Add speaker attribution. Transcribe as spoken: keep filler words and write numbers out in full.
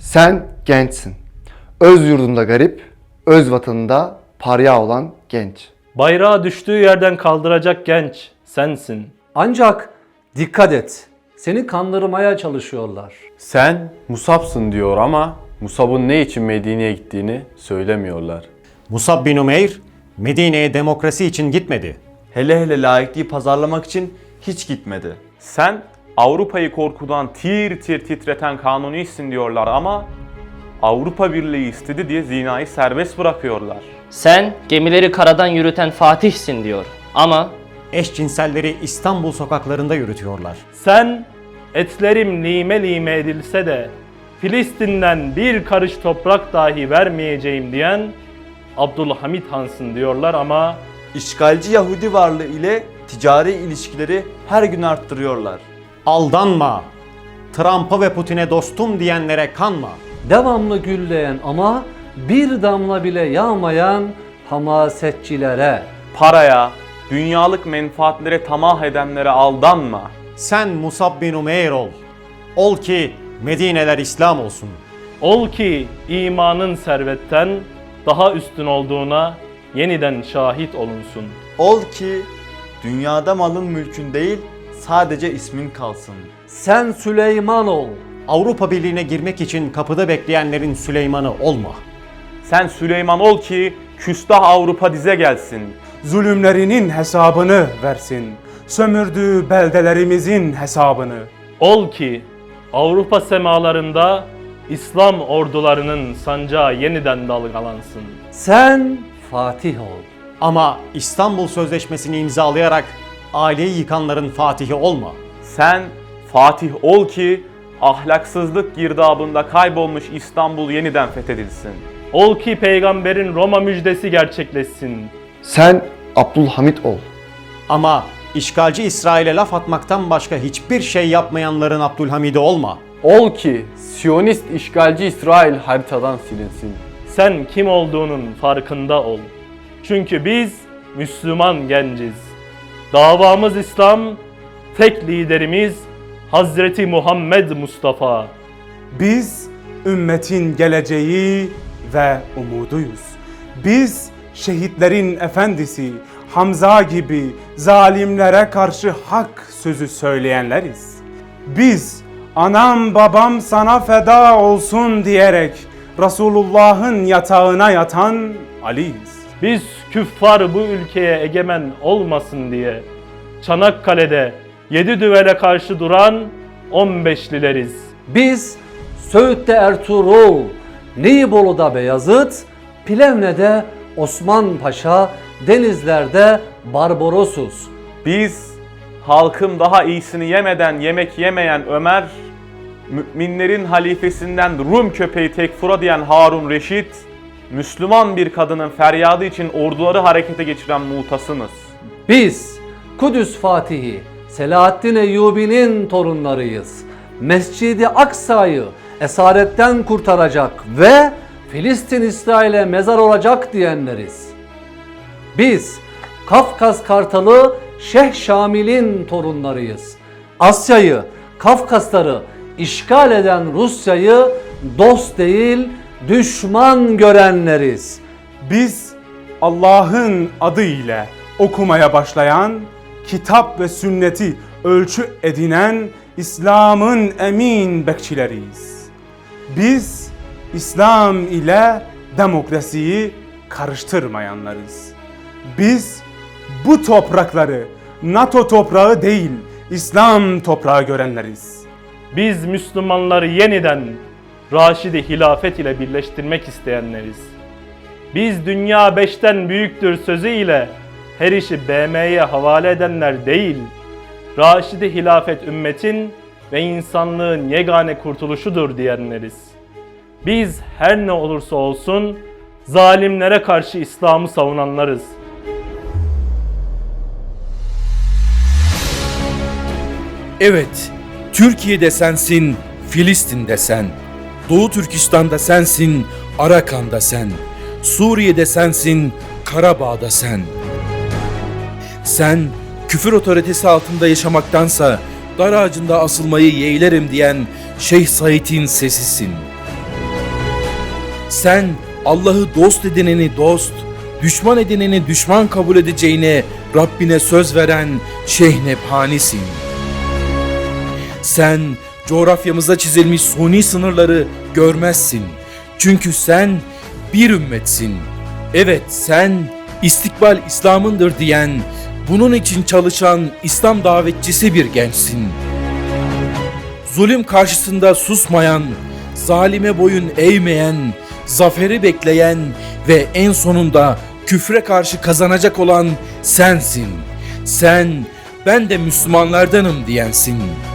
Speaker 1: Sen gençsin. Öz yurdunda garip, öz vatanında parya olan genç.
Speaker 2: Bayrağı düştüğü yerden kaldıracak genç sensin.
Speaker 3: Ancak dikkat et, seni kandırmaya çalışıyorlar.
Speaker 4: Sen Musab'sın diyor ama Musab'ın ne için Medine'ye gittiğini söylemiyorlar.
Speaker 5: Musab bin Umeyr, Medine'ye demokrasi için gitmedi.
Speaker 6: Hele hele laikliği pazarlamak için hiç gitmedi.
Speaker 7: Sen Avrupa'yı korkudan tir tir titreten kanunisin diyorlar ama Avrupa Birliği istedi diye zinayı serbest bırakıyorlar.
Speaker 8: Sen gemileri karadan yürüten Fatih'sin diyor ama
Speaker 5: Eşcinselleri İstanbul sokaklarında yürütüyorlar.
Speaker 2: Sen etlerim lime lime edilse de Filistin'den bir karış toprak dahi vermeyeceğim diyen Abdülhamit Han'sın diyorlar ama
Speaker 6: İşgalci Yahudi varlığı ile ticari ilişkileri her gün arttırıyorlar.
Speaker 5: Aldanma! Trump'a ve Putin'e dostum diyenlere kanma.
Speaker 3: Devamlı gülleyen ama bir damla bile yağmayan hamasetçilere.
Speaker 7: Paraya, dünyalık menfaatlere tamah edenlere aldanma.
Speaker 5: Sen Musab bin Umeyr ol. Ol ki Medine'ler İslam olsun.
Speaker 2: ol ki imanın servetten daha üstün olduğuna yeniden şahit olunsun.
Speaker 6: Ol ki dünyada malın mülkün değil sadece ismin kalsın.
Speaker 3: Sen Süleyman ol.
Speaker 5: Avrupa Birliği'ne girmek için kapıda bekleyenlerin Süleyman'ı olma.
Speaker 7: Sen Süleyman ol ki küstah Avrupa dize gelsin.
Speaker 9: Zulümlerinin hesabını versin. Sömürdüğü beldelerimizin hesabını.
Speaker 2: Ol ki Avrupa semalarında İslam ordularının sancağı yeniden dalgalansın.
Speaker 3: Sen Fatih ol.
Speaker 5: Ama İstanbul Sözleşmesi'ni imzalayarak aileyi yıkanların Fatihi olma.
Speaker 7: Sen Fatih ol ki ahlaksızlık girdabında kaybolmuş İstanbul yeniden fethedilsin.
Speaker 2: Ol ki peygamberin Roma müjdesi gerçekleşsin.
Speaker 1: Sen Abdülhamit ol.
Speaker 5: Ama işgalci İsrail'e laf atmaktan başka hiçbir şey yapmayanların Abdülhamid'i olma.
Speaker 4: Ol ki Siyonist işgalci İsrail haritadan silinsin.
Speaker 2: Sen kim olduğunun farkında ol. Çünkü biz Müslüman genciz. Davamız İslam, tek liderimiz Hazreti Muhammed Mustafa.
Speaker 9: Biz ümmetin geleceği ve umuduyuz. Biz şehitlerin efendisi Hamza gibi zalimlere karşı hak sözü söyleyenleriz. Biz anam babam sana feda olsun diyerek Resulullah'ın yatağına yatan Ali'yiz.
Speaker 2: Biz küffar bu ülkeye egemen olmasın diye Çanakkale'de yedi düvele karşı duran on beşlileriz.
Speaker 3: Biz Söğüt'te Ertuğrul, Nibolu'da Beyazıt, Plevne'de Osman Paşa, Denizler'de Barbarosuz.
Speaker 7: Biz halkım daha iyisini yemeden yemek yemeyen Ömer, müminlerin halifesinden Rum köpeği tekfura diyen Harun Reşit, Müslüman bir kadının feryadı için orduları harekete geçiren Mu'tasımız.
Speaker 3: Biz Kudüs Fatihi, Selahaddin Eyyubi'nin torunlarıyız. Mescid-i Aksa'yı esaretten kurtaracak ve Filistin İsrail'e mezar olacak diyenleriz. Biz Kafkas Kartalı Şeyh Şamil'in torunlarıyız. Asya'yı, Kafkasları işgal eden Rusya'yı dost değil düşman görenleriz.
Speaker 9: Biz Allah'ın adı ile okumaya başlayan, kitap ve sünneti ölçü edinen İslam'ın emin bekçileriyiz. Biz İslam ile demokrasiyi karıştırmayanlarız. Biz bu toprakları NATO toprağı değil, İslam toprağı görenleriz.
Speaker 2: Biz Müslümanları yeniden Raşid-i Hilafet ile birleştirmek isteyenleriz. Biz dünya beşten büyüktür sözü ile her işi B M'ye havale edenler değil, Raşid-i Hilafet ümmetin ve insanlığın yegane kurtuluşudur diyenleriz. Biz her ne olursa olsun zalimlere karşı İslam'ı savunanlarız.
Speaker 10: Evet, Türkiye'de sensin, Filistin'de sen. Doğu Türkistan'da sensin, Arakan'da sen. Suriye'de sensin, Karabağ'da sen. Sen, küfür otoritesi altında yaşamaktansa dar ağacında asılmayı yeğlerim diyen Şeyh Said'in sesisin. Sen Allah'ı dost edineni dost, düşman edineni düşman kabul edeceğine Rabbine söz veren Şeyhnebhanisin. Sen coğrafyamıza çizilmiş suni sınırları görmezsin. Çünkü sen bir ümmetsin. Evet, sen istikbal İslam'ındır diyen, bunun için çalışan İslam davetçisi bir gençsin. Zulüm karşısında susmayan, zalime boyun eğmeyen, zaferi bekleyen ve en sonunda küfre karşı kazanacak olan sensin. Sen, ben de Müslümanlardanım diyensin.